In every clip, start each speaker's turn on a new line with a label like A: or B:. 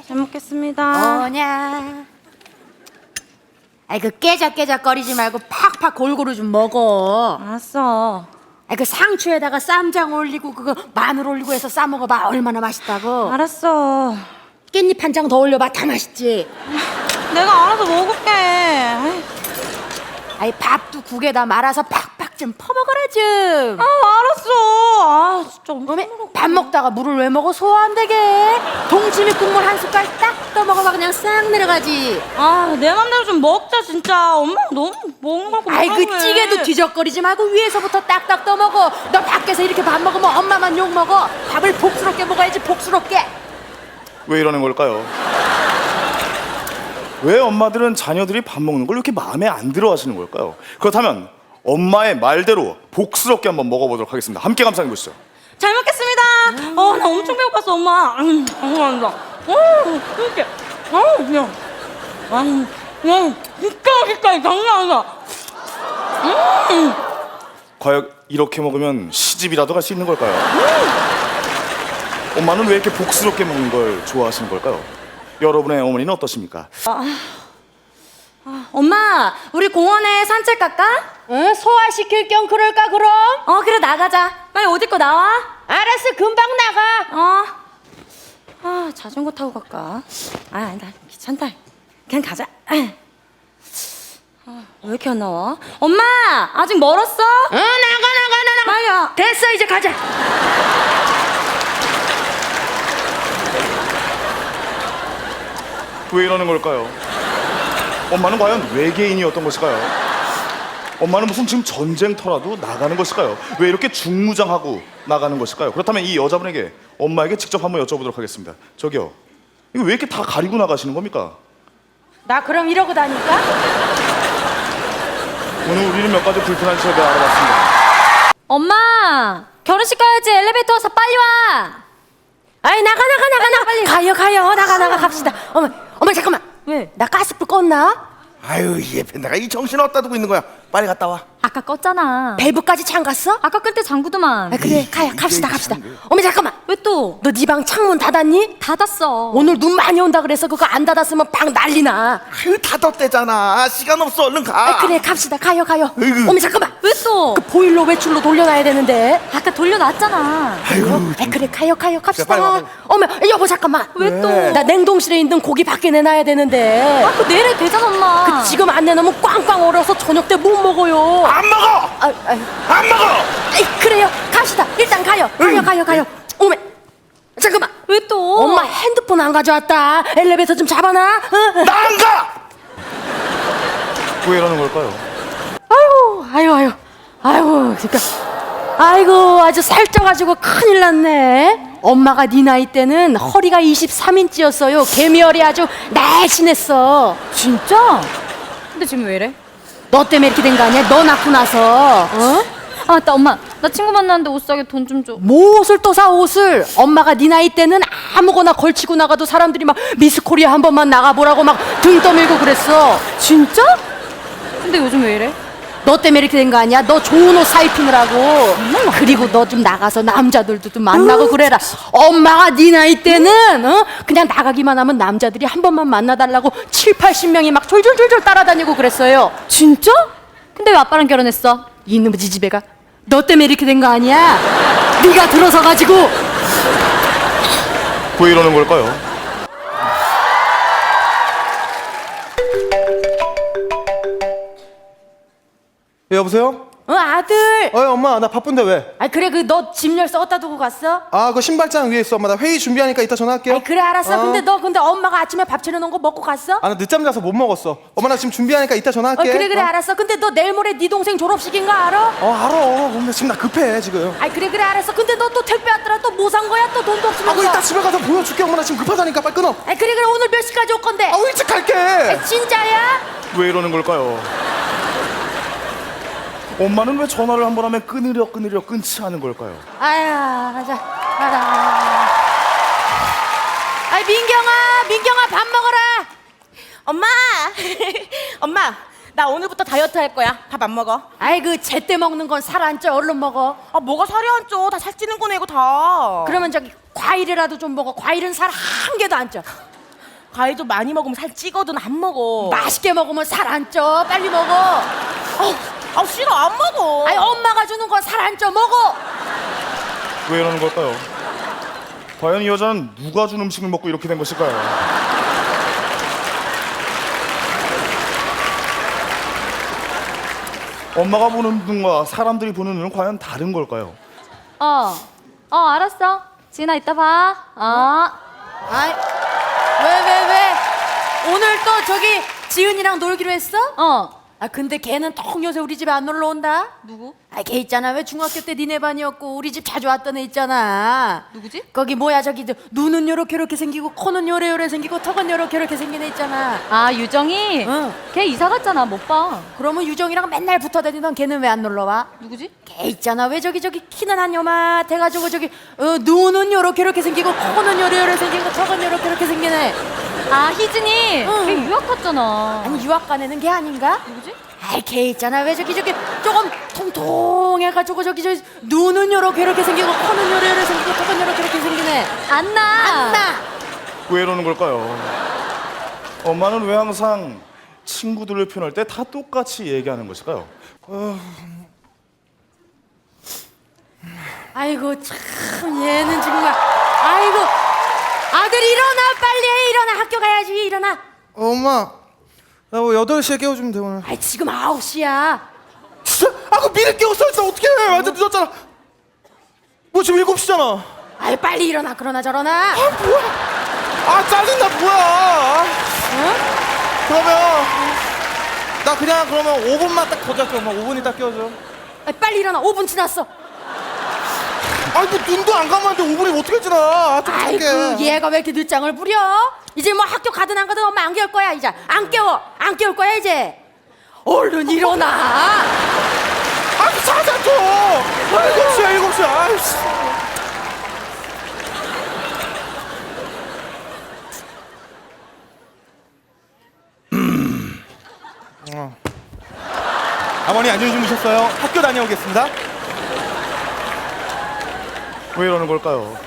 A: 잘 먹겠습니다.
B: 뭐냐? 아이 그 깨작깨작거리지 말고 팍팍 골고루 좀 먹어.
A: 알았어.
B: 아이 그 상추에다가 쌈장 올리고 그거 마늘 올리고 해서 싸 먹어봐. 얼마나 맛있다고.
A: 알았어.
B: 깻잎 한 장 더 올려봐. 다 맛있지.
A: 내가 알아서 먹을게. 아이,
B: 아이 밥도 국에다 말아서 팍팍 좀 퍼먹어라 좀.
A: 알았어. 아 진짜
B: 어메 밥 먹다가 물을 왜 먹어? 소화 안 되게. 동치미 국물 한 숟갈 딱 떠먹어봐. 그냥 싹 내려가지.
A: 내 맘대로 좀 먹자 진짜. 엄마 너무 먹는 거
B: 아이 그 찌개도 뒤적거리지 말고 위에서부터 딱딱 떠먹어. 너 밖에서 이렇게 밥 먹으면 엄마만 욕먹어. 밥을 복스럽게 먹어야지. 복스럽게.
C: 왜 이러는 걸까요? 왜 엄마들은 자녀들이 밥 먹는 걸 이렇게 마음에 안 들어 하시는 걸까요? 그렇다면 엄마의 말대로 복스럽게 한번 먹어보도록 하겠습니다. 함께 감상해 보시죠.
A: 잘 먹겠습니다. 나 엄청 배고팠어 엄마. 감사합니다. 이렇게. 그냥. 진짜 맛있다. 장난 아니다.
C: 과연 이렇게 먹으면 시집이라도 갈 수 있는 걸까요? 엄마는 왜 이렇게 복스럽게 먹는 걸 좋아하시는 걸까요? 여러분의 어머니는 어떠십니까?
A: 엄마, 우리 공원에 산책 갈까?
B: 응? 소화시킬 겸 그럴까 그럼?
A: 그래 나가자. 빨리 옷 입고 나와.
B: 알았어 금방 나가.
A: 자전거 타고 갈까? 아니다 귀찮다. 그냥 가자. 왜 이렇게 안 나와? 엄마, 아직 멀었어?
B: 나가.
A: 빨리 와.
B: 됐어 이제 가자.
C: 왜 이러는 걸까요? 엄마는 과연 외계인이었던 것일까요? 엄마는 무슨 지금 전쟁터라도 나가는 것일까요? 왜 이렇게 중무장하고 나가는 것일까요? 그렇다면 이 여자분에게 엄마에게 직접 한번 여쭤보도록 하겠습니다. 저기요, 이거 왜 이렇게 다 가리고 나가시는 겁니까?
B: 나 그럼 이러고 다닐까?
C: 오늘 우리는 몇 가지 불편한 지역을 알아봤습니다.
A: 엄마, 결혼식 가야지. 엘리베이터 와서 빨리 와.
B: 아이 나가 빨리 가요 나가 갑시다. 어머 잠깐만.
A: 왜?
B: 나 가스불 껐나?
D: 아유 얘 내가 이 정신 어디다 두고 있는 거야. 빨리 갔다 와.
A: 아까 껐잖아.
B: 밸브까지 잠갔어?
A: 아까 끌 때 잠그더만.
B: 그래 갑시다. 어머 잠깐만.
A: 왜 또?
B: 너 네 방 창문 닫았니?
A: 닫았어.
B: 오늘 눈 많이 온다 그래서 그거 안 닫았으면 방 난리나.
D: 아유 닫았대잖아. 시간 없어. 얼른 가.
B: 그래 갑시다 가요.
D: 으이구.
B: 어머 잠깐만.
A: 왜 또?
B: 그 보일러 외출로 돌려놔야 되는데.
A: 아까 돌려놨잖아.
D: 아유
B: 그래 가요 갑시다.
D: 빨리 와.
B: 어머 여보 잠깐만.
A: 왜 또?
B: 나 냉동실에 있는 고기 밖에 내놔야 되는데.
A: 그거 내일 되잖아 엄마.
B: 그 지금 안 내놓으면 꽝꽝 얼어서 저녁 때 못 먹어요.
D: 안 먹어. 안 먹어.
B: 그래요 갑시다. 일단 가요. 어머 잠깐만.
A: 왜 또?
B: 엄마 핸드폰 안 가져왔다. 엘리베이터 좀 잡아놔.
D: 나 안 가.
C: 왜 이러는 걸까요?
B: 아이고 그러니까 아이고 아주 살쪄가지고 큰일 났네. 엄마가 네 나이 때는 허리가 23인치였어요. 개미열이 아주 날씬했어.
A: 진짜? 근데 지금 왜 이래?
B: 너 때문에 이렇게 된 거 아니야? 너 낳고 나서.
A: 맞다 엄마, 나 친구 만나는데 옷 사게 돈 좀 줘.
B: 뭐 옷을 또 사 옷을. 엄마가 네 나이 때는 아무거나 걸치고 나가도 사람들이 막 미스 코리아 한 번만 나가보라고 막 등 떠밀고 그랬어.
A: 진짜? 근데 요즘 왜 이래?
B: 너 때문에 이렇게 된 거 아니야? 너 좋은 옷 사 입히느라고. 그리고 너 좀 나가서 남자들도 좀 만나고 그래라. 엄마가 네 나이 때는 그냥 나가기만 하면 남자들이 한 번만 만나달라고 70-80명이 막 졸졸졸졸 따라다니고 그랬어요.
A: 진짜? 근데 왜 아빠랑 결혼했어?
B: 이놈의 지지배가 너 때문에 이렇게 된 거 아니야? 네가 들어서 가지고.
C: 왜 이러는 걸까요?
D: 여보세요?
B: 아들.
D: 엄마 나 바쁜데 왜?
B: 그래 그 너 짐 열쇠 어디다 두고 갔어?
D: 그 신발장 위에 있어. 엄마 나 회의 준비하니까 이따 전화할게요.
B: 그래 알았어. 근데 엄마가 아침에 밥 차려놓은 거 먹고 갔어?
D: 나 늦잠 자서 못 먹었어. 엄마 나 지금 준비하니까 이따 전화할게.
B: 그래 알았어. 근데 너 내일 모레 네 동생 졸업식인 거 알아?
D: 알아. 엄마 지금 나 급해 지금.
B: 그래 알았어. 근데 너 또 택배 왔더라. 또 뭐 산 거야? 또 돈도 없으면서.
D: 이따 집에 가서 보여줄게. 엄마 나 지금 급하다니까 빨리 끊어.
B: 그래 오늘 몇 시까지 올 건데?
D: 일찍 갈게.
B: 진짜야?
C: 왜 이러는 걸까요? 엄마는 왜 전화를 한 번 하면 끊으려 끊지 않은 걸까요?
B: 가자. 민경아 밥 먹어라.
E: 엄마! 엄마, 나 오늘부터 다이어트 할 거야. 밥 안 먹어.
B: 그 제때 먹는 건 살 안 쪄. 얼른 먹어.
E: 뭐가 살이 안 쪄? 다 살찌는 거네, 이거 다.
B: 그러면 저기 과일이라도 좀 먹어. 과일은 살 한 개도 안 쪄.
E: 과일 좀 많이 먹으면 살 찌거든. 안 먹어.
B: 맛있게 먹으면 살 안 쪄. 빨리 먹어.
E: 아 싫어, 안 먹어.
B: 아니 엄마가 주는 거 살 안 쪄. 먹어.
C: 왜 이러는 걸까요? 과연 이 여자는 누가 준 음식을 먹고 이렇게 된 것일까요? 엄마가 보는 눈과 사람들이 보는 눈은 과연 다른 걸까요?
A: 알았어. 지은아, 이따 봐.
B: 아이 왜? 오늘 또 저기 지은이랑 놀기로 했어? 아 근데 걔는 통 요새 우리 집에 안 놀러 온다.
A: 누구?
B: 아 걔 있잖아. 왜 중학교 때 니네 반이었고 우리 집 자주 왔던 애 있잖아.
A: 누구지?
B: 거기 뭐야 저기 눈은 요렇게 생기고 코는 요래 생기고 턱은 요렇게 생긴 애 있잖아.
A: 아, 유정이?
B: 응.
A: 걔 이사 갔잖아. 못 봐.
B: 그러면 유정이랑 맨날 붙어 다니던 걔는 왜 안 놀러 와?
A: 누구지?
B: 걔 있잖아. 왜 저기 키는 한 요만해가지고 저기 눈은 요렇게 생기고 코는 요래 생기고 턱은 요렇게 생긴 애.
A: 아, 희진이?
B: 응.
A: 걔 유학 갔잖아.
B: 아니 유학 간 애는 걔 아닌가?
A: 누구지?
B: 아이 걔 있잖아. 왜 저기 조금 통통해가지고 저기 눈은 요렇게 생기고 코는 요래 생기고 턱은 요렇게 생긴 애.
A: 안나.
C: 왜 이러는 걸까요? 엄마는 왜 항상 친구들을 표현할 때 다 똑같이 얘기하는 것일까요?
B: 아이고 참 얘는 정말. 아이고 아들 일어나 빨리 일어나 학교 가야지 일어나.
D: 엄마, 나 뭐 8시에 깨워주면 돼 오늘.
B: 아이 지금 9시야.
D: 진짜? 아, 그 미리 깨웠어. 진짜 어떻게 해? 완전 늦었잖아. 뭐 지금 7시잖아.
B: 아이 빨리 일어나 그러나 저러나.
D: 아, 짜증나. 뭐야?
B: 응?
D: 그러면 나 그냥 그러면 5분만 딱 더 잘게. 엄마 5분 있다 깨워줘.
B: 아이, 빨리 일어나 5분 지났어.
D: 아니 뭐 눈도 안 감았는데 5분이 어떻게 지나? 아, 좀
B: 아이고
D: 잘게.
B: 얘가 왜 이렇게 늦장을 부려? 이제 뭐 학교 가든 안 가든 엄마 안 깨울 거야 이제. 안 깨울 거야 이제. 얼른 일어나.
D: 아, 자자 좀. 7시야 7시. 아이씨. 어머니 안녕히 주무셨어요? 학교 다녀오겠습니다.
C: 왜 이러는 걸까요?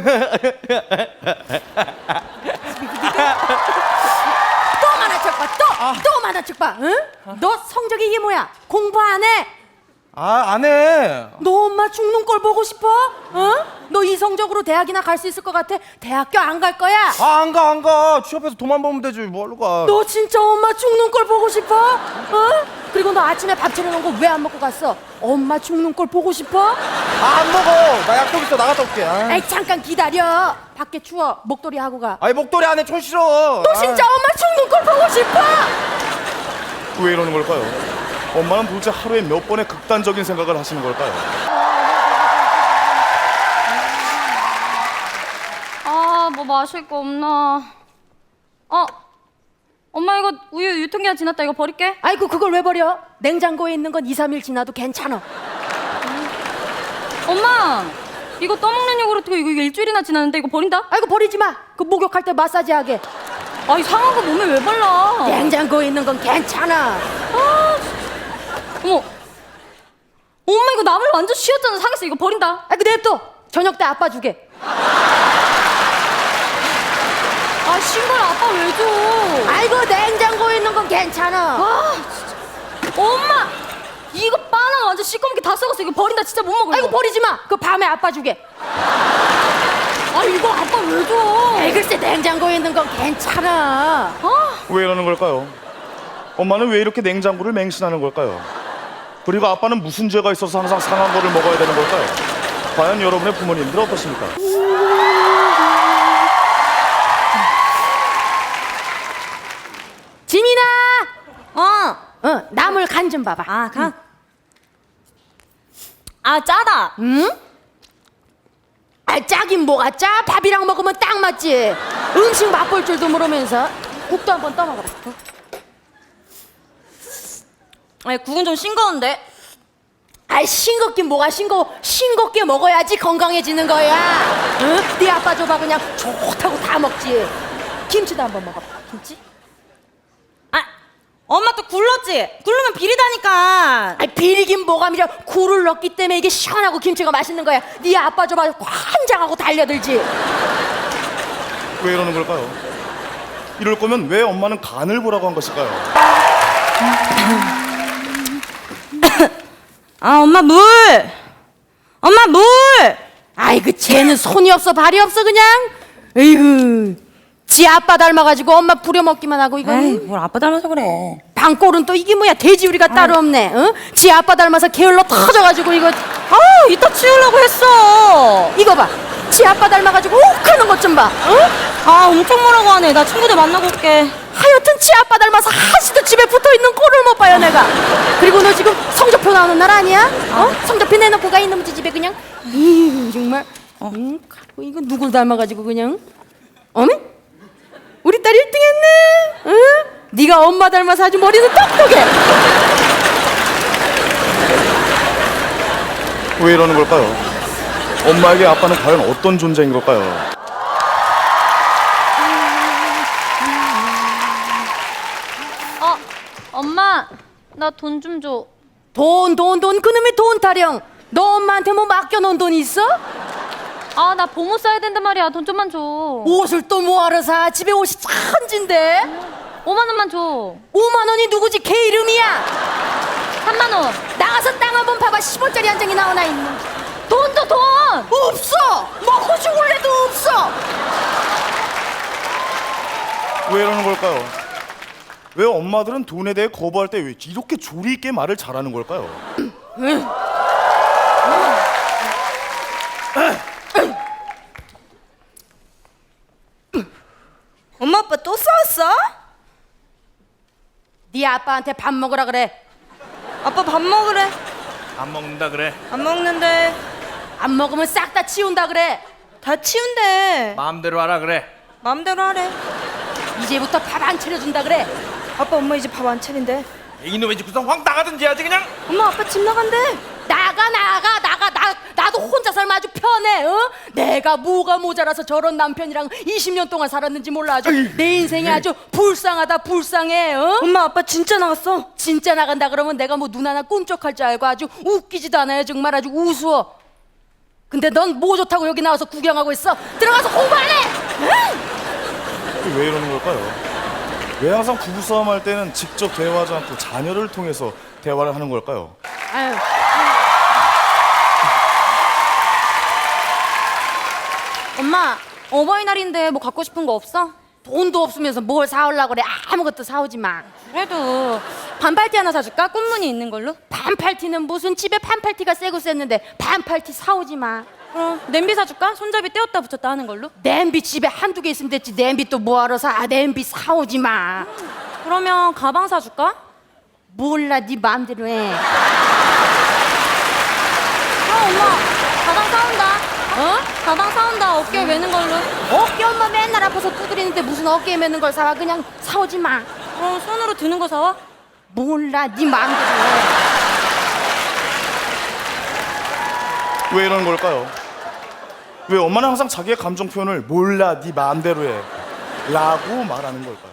B: 또 만화책 봐. 또 만화책 봐. 응? 너 성적이 이게 뭐야? 공부 안 해?
D: 아, 안 해.
B: 너 엄마 죽는 걸 보고 싶어? 응? 너 이 성적으로 대학이나 갈 수 있을 것 같아? 대학교 안 갈 거야?
D: 아, 안 가. 취업해서 돈만 벌면 되지. 뭐하러 가?
B: 너 진짜 엄마 죽는 걸 보고 싶어? 응? 그리고 너 아침에 밥 차려놓은 거 왜 안 먹고 갔어? 엄마 죽는 걸 보고 싶어?
D: 아, 안 먹어. 나 약속 있어. 나갔다 올게. 아.
B: 아이 잠깐 기다려. 밖에 추워. 목도리 하고 가.
D: 아이, 목도리 안에 촌 싫어.
B: 너 진짜 엄마 죽는 걸 보고 싶어?
C: 왜 이러는 걸까요? 엄마는 도대체 하루에 몇 번의 극단적인 생각을 하시는 걸까요?
A: 뭐 마실 거 없나? 엄마 이거 우유 유통기한 지났다. 이거 버릴게.
B: 아이고 그걸 왜 버려? 냉장고에 있는 건 2, 3일 지나도 괜찮아.
A: 엄마 이거 떠먹는 요구르트 이거 일주일이나 지났는데 이거 버린다?
B: 아이고 버리지 마. 그 목욕할 때 마사지 하게.
A: 아이 상한 거 몸에 왜 발라?
B: 냉장고에 있는 건 괜찮아.
A: 어머 엄마 이거 나물 완전 쉬었잖아. 상했어. 이거 버린다.
B: 아이고 냅둬. 저녁 때 아빠 주게.
A: 아 신발 아빠 왜 줘?
B: 아이고 냉장고에 있는 건 괜찮아.
A: 진짜. 엄마 이거 바나나 완전 시꺼멓게 다 썩었어. 이거 버린다. 진짜 못 먹어.
B: 아이고
A: 이거.
B: 버리지 마. 그 밤에 아빠 주게.
A: 아 이거 아빠 왜 줘?
B: 아이 글쎄 냉장고에 있는 건 괜찮아.
C: 왜 이러는 걸까요? 엄마는 왜 이렇게 냉장고를 맹신하는 걸까요? 그리고 아빠는 무슨 죄가 있어서 항상 상한 거를 먹어야 되는 걸까요? 과연 여러분의 부모님들 어떠십니까?
B: 지민아. 나물 간 좀 봐봐.
E: 아, 가. 아, 짜다.
B: 응? 아 짜긴 뭐가 짜? 밥이랑 먹으면 딱 맞지. 음식 맛볼 줄도 모르면서. 국도 한번 떠먹어라.
E: 아니, 국은 좀 싱거운데.
B: 아이 싱겁긴 뭐가 싱거워. 싱겁게 먹어야지 건강해지는 거야. 응? 네 아빠 줘봐 그냥 좋다고 다 먹지. 김치도 한번 먹어봐. 김치?
E: 아, 엄마 또 굴렀지? 굴르면 비리다니까.
B: 아이 비리긴 뭐가 미려. 굴을 넣기 때문에 이게 시원하고 김치가 맛있는 거야. 네 아빠 줘봐 환장하고 달려들지.
C: 왜 이러는 걸까요? 이럴 거면 왜 엄마는 간을 보라고 한 것일까요?
A: 아, 엄마 물! 엄마 물!
B: 아이고 쟤는 손이 없어 발이 없어 그냥. 에이구 지 아빠 닮아가지고 엄마 부려먹기만 하고 이거.
A: 에이, 뭘 아빠 닮아서 그래.
B: 방꼴은 또 이게 뭐야 돼지우리가 따로 없네. 어? 지 아빠 닮아서 게을러 터져가지고 이거.
A: 아, 이따 치우려고 했어.
B: 이거 봐. 지 아빠 닮아가지고 욱하는 것 좀 봐. 어?
A: 아, 엄청 뭐라고 하네. 나 친구들 만나고 올게.
B: 하여튼 지 아빠 닮아서 한시도 집에 붙어있는 꼴을 못 봐요 내가. 그리고 너 지금 성적표 나오는 날 아니야? 어? 성적표 내놓고 가 있는 지 집에 그냥. 정말. 가고 이거 누굴 닮아가지고 그냥. 어메? 우리 딸 1등 했네. 응? 네가 엄마 닮아서 아주 머리는 똑똑해.
C: 왜 이러는 걸까요? 엄마에게 아빠는 과연 어떤 존재인 걸까요?
A: 엄마, 나 돈 좀 줘.
B: 돈 그놈의 돈 타령. 너 엄마한테 뭐 맡겨놓은 돈 있어?
A: 아, 나 보모 써야 된단 말이야. 돈 좀만 줘.
B: 옷을 또 뭐하러 사? 집에 옷이 천진데.
A: 5만 원만 줘.
B: 5만 원이 누구지? 걔 이름이야.
A: 3만 원.
B: 나가서 땅 한번 봐봐. 10원짜리 한 장이 나오나 있는.
A: 돈 줘, 돈!
B: 없어. 먹고 죽을래도 없어.
C: 왜 이러는 걸까요? 왜 엄마들은 돈에 대해 거부할 때 왜 이렇게 조리 있게 말을 잘하는 걸까요?
E: 엄마 아빠 또 싸웠어?
B: 네 아빠한테 밥 먹으라 그래.
E: 아빠 밥 먹으래.
D: 안 먹는다 그래.
E: 안 먹는데.
B: 안 먹으면 싹 다 치운다 그래.
E: 다 치운대.
D: 마음대로 하라 그래.
E: 마음대로 하래.
B: 이제부터 밥 안 차려준다 그래.
E: 아빠 엄마 이제 밥 안 차린대.
D: 이놈의 집 구성 확 나가든지 해야지 그냥.
E: 엄마 아빠 집 나간대.
B: 나도 혼자 살면 아주 편해. 어? 내가 뭐가 모자라서 저런 남편이랑 20년 동안 살았는지 몰라. 아주 내 인생이 아주 불쌍하다 불쌍해. 어?
E: 엄마 아빠 진짜 나갔어.
B: 진짜 나간다 그러면 내가 뭐 눈 하나 꿈쩍할 줄 알고 아주 웃기지도 않아요. 정말 아주 우스워. 근데 넌 뭐 좋다고 여기 나와서 구경하고 있어? 들어가서 공부하래.
C: 왜 이러는 걸까요? 왜 항상 부부싸움 할 때는 직접 대화하지 않고 자녀를 통해서 대화를 하는 걸까요?
B: 아유.
A: 엄마, 어버이날인데 뭐 갖고 싶은 거 없어?
B: 돈도 없으면서 뭘 사오려고 그래. 아무것도 사오지 마.
A: 그래도 반팔티 하나 사줄까? 꽃무늬 있는 걸로?
B: 반팔티는 무슨 집에 반팔티가 세고 셌는데 반팔티 사오지 마.
A: 그럼 냄비 사줄까? 손잡이 떼었다 붙였다 하는 걸로?
B: 냄비 집에 한두 개 있으면 됐지. 냄비 또 뭐하러 사? 아, 냄비 사오지 마.
A: 그러면 가방 사줄까?
B: 몰라 네 마음대로 해.
A: 엄마, 가방 사온다. 어? 가방 사온다. 어깨에 매는 걸로.
B: 어깨 엄마 맨날 아파서 두드리는데 무슨 어깨에 매는 걸 사와. 그냥 사오지 마.
A: 그럼 손으로 드는 거 사와?
B: 몰라 네 마음대로 해.
C: 왜 이러는 걸까요? 왜 엄마는 항상 자기의 감정 표현을 몰라 네 마음대로 해 라고 말하는 걸까요?